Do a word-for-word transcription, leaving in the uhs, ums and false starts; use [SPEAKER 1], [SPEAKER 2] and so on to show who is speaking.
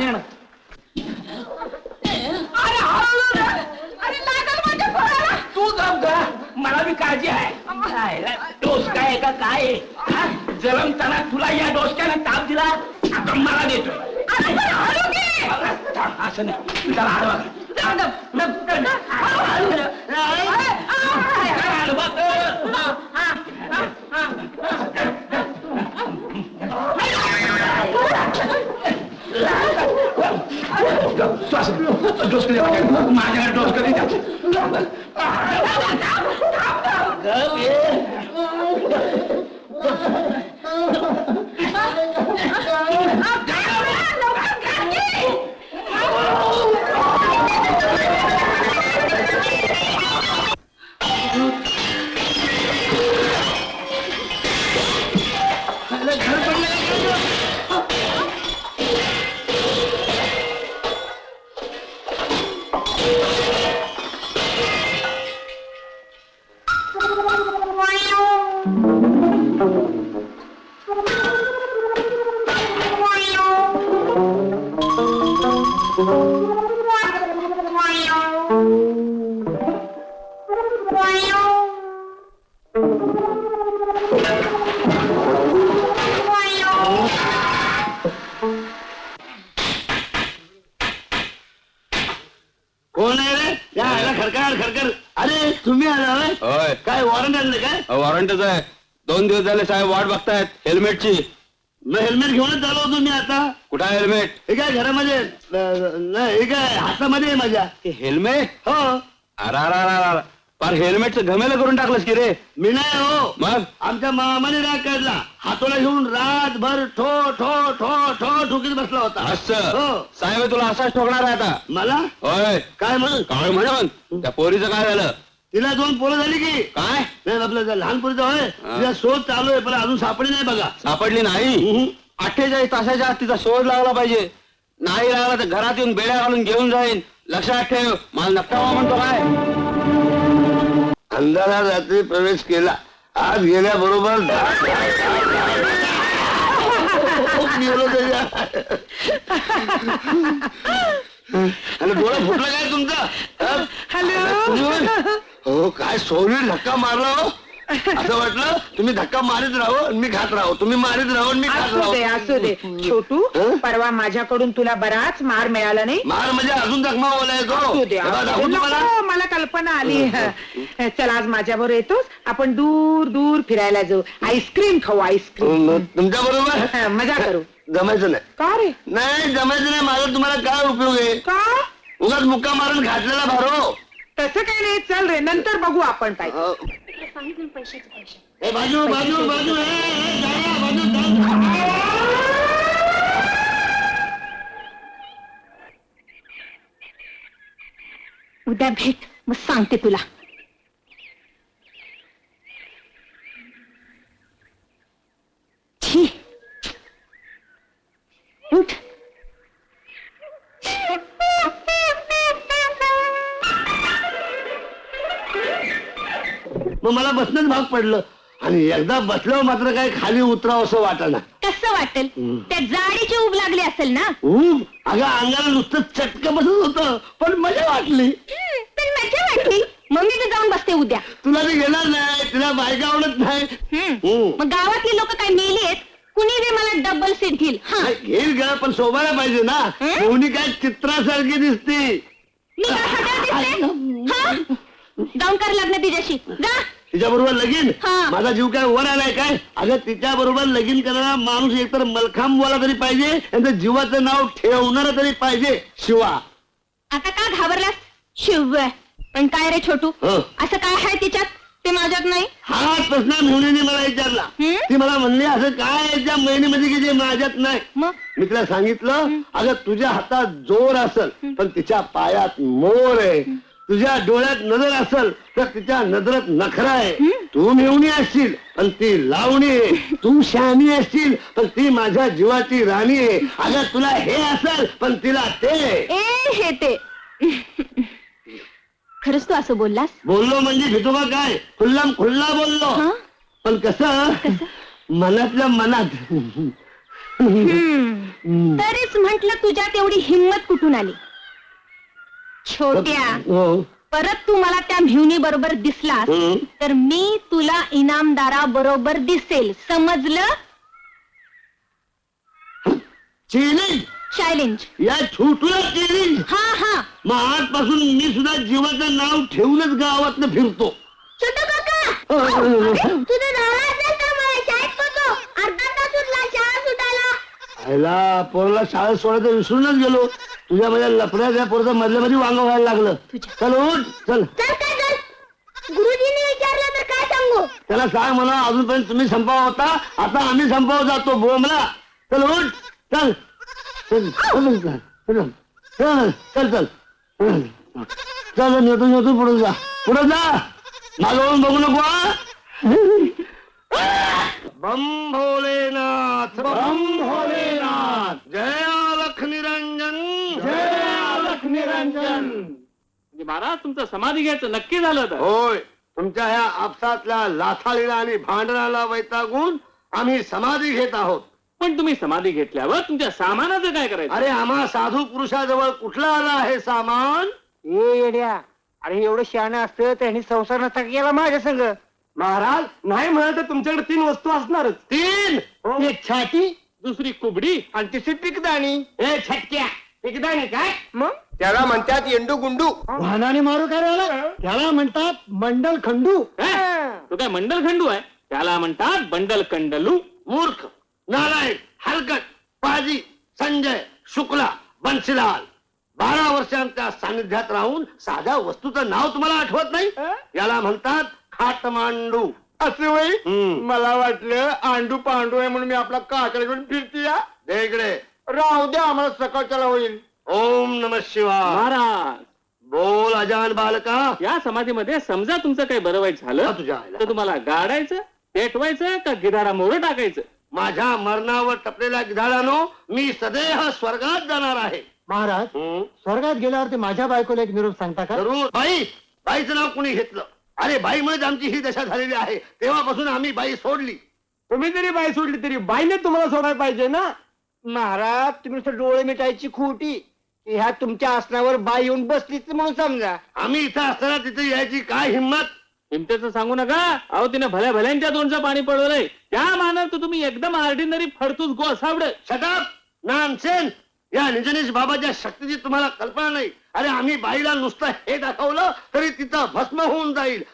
[SPEAKER 1] पाणी आण. तू गप ग, मला बी काळजी आहे. डोस काय का काय जलमताना तुला या डोसक्यानं ताप दिला, आता मला देतोय. असं नाही, त्याला हळवा डोस माझ्याकडे डोस कधी
[SPEAKER 2] वॉरंटच आहे. दोन दिवस झाले साहेब वाट बघतायत हेल्मेटची.
[SPEAKER 3] मग हेल्मेट घेऊनच आलो होतो मी. आता
[SPEAKER 2] कुठं आहे हेल्मेट?
[SPEAKER 3] हे काय घरामध्ये नाही, हे काय हातामध्ये आहे माझ्या.
[SPEAKER 2] हेल्मेट?
[SPEAKER 3] हो.
[SPEAKER 2] अरा पर हेल्मेटचं घमेलं करून टाकलंस की रे.
[SPEAKER 3] मी नाही हो,
[SPEAKER 2] मग
[SPEAKER 3] आमच्या मामाने राग काढला. हातोला घेऊन रातभर ठो ठो ठो ठो ठोकीत बसला होता.
[SPEAKER 2] असं
[SPEAKER 3] हो.
[SPEAKER 2] साहेब तुला असाच ठोकणार आहे आता.
[SPEAKER 3] मला?
[SPEAKER 2] होय.
[SPEAKER 3] काय म्हण
[SPEAKER 2] काय म्हण? त्या पोरीचं काय झालं?
[SPEAKER 3] तिला दोन पोरं झाली की
[SPEAKER 2] काय?
[SPEAKER 3] नाही आपलं लहान पोरीचं होय. तिला शोध चालू आहे, पण अजून सापडली नाही बघा.
[SPEAKER 2] सापडली नाही? अठ्ठेचाळीस तासाच्या आत तिचा शोध लागला पाहिजे. नाही लागला तर घरात येऊन बेड्या घालून घेऊन जाईन. लक्षात ठेव. मला नक्का म्हणतो काय?
[SPEAKER 3] अंधारात रात्री प्रवेश केला. आज गेल्याबरोबर गेलो त्याच्या. आणि डोळा फुटला काय तुमचा?
[SPEAKER 4] हॅलो.
[SPEAKER 3] हो काय सोनी धक्का मारला हो. असं वाटलं तुम्ही धक्का मारित राहो आणि मी खात राहो, तुम्ही मारित राहो आणि मी खात
[SPEAKER 4] असू
[SPEAKER 3] राहो.
[SPEAKER 4] दे असू दे छोटू. परवा माझ्याकडून तुला बराच मार मिळाला नाही?
[SPEAKER 3] मार म्हणजे अजून जखमा ओलाय तो.
[SPEAKER 4] असू दे,
[SPEAKER 3] तेव्हा
[SPEAKER 4] असू
[SPEAKER 3] दाखवू
[SPEAKER 4] दे.
[SPEAKER 3] तुम्हाला?
[SPEAKER 4] नको, मला कल्पना आली. चल आज माझ्याबरोबर येतोस? आपण दूर दूर फिरायला जाऊ, आईस्क्रीम खाऊ. आईस्क्रीम
[SPEAKER 3] तुमच्या बरोबर
[SPEAKER 4] मजा करू.
[SPEAKER 3] जमायचं नाही.
[SPEAKER 4] का रे?
[SPEAKER 3] नाही जमायचं नाही. माझा तुम्हाला काय उपयोग आहे?
[SPEAKER 4] का?
[SPEAKER 3] उगाच मुक्का मारून घातलेला भारो.
[SPEAKER 4] तसं काही नाही. चल रे, नंतर बघू आपण काय.
[SPEAKER 3] ए, बाजू बाजू बाजू ए, ए, जाया, बाजू जा.
[SPEAKER 5] उद्या भेट, मग सांगते तुला. छी, उठ.
[SPEAKER 3] मग मला बसणंच भाग पडलं आणि एकदा बसल्यावर मात्र काय खाली उतरावं असं वाटना.
[SPEAKER 5] कसं वाटेल? त्या जाडीची ऊब लागली असेल ना.
[SPEAKER 3] ऊब? अगं अंगाला नुसतं चटकं बसत होतं, पण मजा वाटली.
[SPEAKER 5] पण मजा वाटली. मग मी जाऊन बसते उद्या.
[SPEAKER 3] तुला ते घेणार नाही, तुला बायका आवडत नाही.
[SPEAKER 5] मग गावातली लोक काय मेली आहेत? कुणी बी मला डबल सीट घेईल.
[SPEAKER 3] घेईल ग, पण शोभायला पाहिजे ना. कोणी काय चित्रासारखी दिसते.
[SPEAKER 5] मी काय हटाव दिसते? जाऊन कर लग्न तिच्याशी. जा.
[SPEAKER 3] तिच्या बरोबर लगीन?
[SPEAKER 5] हा.
[SPEAKER 3] माझा जीव काय वर आलाय काय? अगं तिच्या बरोबर लगीन करणारा माणूस एकतर मलखांब वाला तरी पाहिजे, त्यांचं जीवाचं नाव ठेवणार तरी पाहिजे. शिवा.
[SPEAKER 5] आता का घाबरलास? शिव. पण काय रे छोटू, असं काय आहे तिच्यात ते माझ्यात नाही?
[SPEAKER 3] हा प्रश्न मेहुणीने मला विचारला. ती मला म्हणली असं काय त्या महिन्यामध्ये की जे माझ्यात नाही.
[SPEAKER 5] मग
[SPEAKER 3] मी तिला सांगितलं, अगं तुझ्या हातात जोर असेल पण तिच्या पायात मोर आहे. तुझ्या डोळ्यात नजर असेल तर तिच्या नजरेत नखरा आहे. तू मेहुणी असशील पण ती लावणी आहे. तू शहाणी असशील पण ती माझ्या जीवाची राणी आहे. अगं तुला हे असेल पण तिला ते.
[SPEAKER 5] ए हे ते खरंच तू असं बोललास?
[SPEAKER 3] बोललो म्हणजे घेतो का काय? खुल्लाम खुल्ला बोललो. पण कसं मनातल्या मनात. हम्म.
[SPEAKER 5] तरीच म्हंटल तुझ्यात एवढी हिंमत कुठून आली? छोट्या,
[SPEAKER 3] हो.
[SPEAKER 5] परत तू मला त्या म्ह्युनी बरोबर दिसलास
[SPEAKER 3] हम्म.
[SPEAKER 5] तर मी तुला इनामदारा बरोबर दिसेल, समजलं?
[SPEAKER 3] Challenge
[SPEAKER 5] challenge.
[SPEAKER 3] या छोटूला चॅलेंज.
[SPEAKER 5] हा हा.
[SPEAKER 3] मग आजपासून मी सुद्धा जीवाचं नाव ठेवूनच गावात फिरतो.
[SPEAKER 5] छोटू काका, तुझं झालं असेल तर मला शाळेत पोचव. अर्धा तास उरला शाळा सुटायला.
[SPEAKER 3] आयला पोरला शाळेत सोडायचं विसरूनच गेलो. तुझ्या माझ्या लफड्याच्या पोरचं मधल्या मध्ये वांग व्हायला लागलं. चल उठ चल.
[SPEAKER 5] चल काय चल. गुरुजींनी विचारलं तर काय सांगू?
[SPEAKER 3] त्याला सांग म्हणा अजूनपर्यंत तुम्ही संपाव होता, आता आम्ही संपाव जातो बोमला. चल उठ चल चल चल चल चल चल चल चल नेतो नेतो पुढे जा पुढे जा मागवून बघू नको. हा? बम भोलेनाथ बम भोलेनाथ जय अलख निरंजन जय अलख निरंजन.
[SPEAKER 2] महाराज तुमचं समाधी घ्यायचं नक्की झालं तर.
[SPEAKER 3] होय, तुमच्या ह्या आपसातल्या लाथाळीला आणि भांडणाला वैतागून आम्ही समाधी घेत आहोत.
[SPEAKER 2] पण तुम्ही समाधी घेतल्यावर तुमच्या सामानाचं काय करायचं?
[SPEAKER 3] अरे आम्हा साधू पुरुषाजवळ कुठला आला आहे सामान?
[SPEAKER 6] ये येड्या, अरे एवढं शहाणं असतं त्यांनी संसार नसता केला माझ्या संग.
[SPEAKER 3] महाराज नाही म्हणाल तर तुमच्याकडे तीन वस्तू असणारच. तीन?
[SPEAKER 6] एक छाती
[SPEAKER 2] दुसरी कुबडी
[SPEAKER 6] आणि तिसरी पिकदाणी.
[SPEAKER 3] ए छटक्या एकदाने काय?
[SPEAKER 6] मग
[SPEAKER 3] त्याला म्हणतात येंडू गुंडू.
[SPEAKER 6] वाहनाने मारू करायला त्याला म्हणतात मंडल खंडू.
[SPEAKER 2] तो काय मंडल खंडू आहे? त्याला म्हणतात बंडल कंडलू.
[SPEAKER 3] मूर्ख, नारायण, हलकट, पाजी, संजय, शुक्ला, बन्सीलाल. बारा वर्षांच्या सानिध्यात राहून साध्या वस्तूचं नाव तुम्हाला आठवत नाही? याला म्हणतात खाटमांडू.
[SPEAKER 6] असं वय
[SPEAKER 3] हम्म.
[SPEAKER 6] मला वाटलं आंडू पांडू आहे म्हणून मी आपला काकडे घेऊन फिरती या.
[SPEAKER 3] दे इकडे.
[SPEAKER 6] राहू द्या आम्हाला सकाळच्याला होईल.
[SPEAKER 3] ओम नम शिवाय.
[SPEAKER 2] महाराज
[SPEAKER 3] बोल अजान बालका.
[SPEAKER 2] या समाधीमध्ये समजा तुमचं काही बरं वाईट झालं
[SPEAKER 3] हा, तुझ्या आईला.
[SPEAKER 2] तर तुम्हाला गाडायचं, पेटवायचं का गिधारा मोर टाकायचं?
[SPEAKER 3] माझ्या मरणावर टपलेल्या गिधाडानो मी सदैह स्वर्गात जाणार आहे.
[SPEAKER 6] महाराज
[SPEAKER 3] हम्म.
[SPEAKER 6] स्वर्गात गेल्यावर ते माझ्या बायकोला एक निरोप सांगता का?
[SPEAKER 3] जरूर. बाई, बाईचं नाव कोणी घेतलं? अरे बाईमुळेच आमची ही दशा झालेली आहे. तेव्हापासून आम्ही बाई सोडली.
[SPEAKER 6] तुम्ही जरी बाई सोडली तरी बाईने तुम्हाला सोडायला पाहिजे ना. महाराज तुम्ही नुसतं डोळे मिटायची खोटी. ह्या तुमच्या आसनावर बाई येऊन बसलीच म्हणून समजा.
[SPEAKER 3] आम्ही इथं असताना तिथे यायची काय हिंमत?
[SPEAKER 2] हिमतेचं सांगू नका. अहो तिने भल्या भल्यांच्या दोनचं पाणी पडवलंय. त्या मानात तुम्ही एकदम ऑर्डिनरी फडतूस गोसावड.
[SPEAKER 3] Shut up nonsense. या निजनेश बाबाच्या शक्तीची तुम्हाला कल्पना नाही. अरे आम्ही बाईला नुसतं हे दाखवलं तरी तिथं भस्म होऊन जाईल.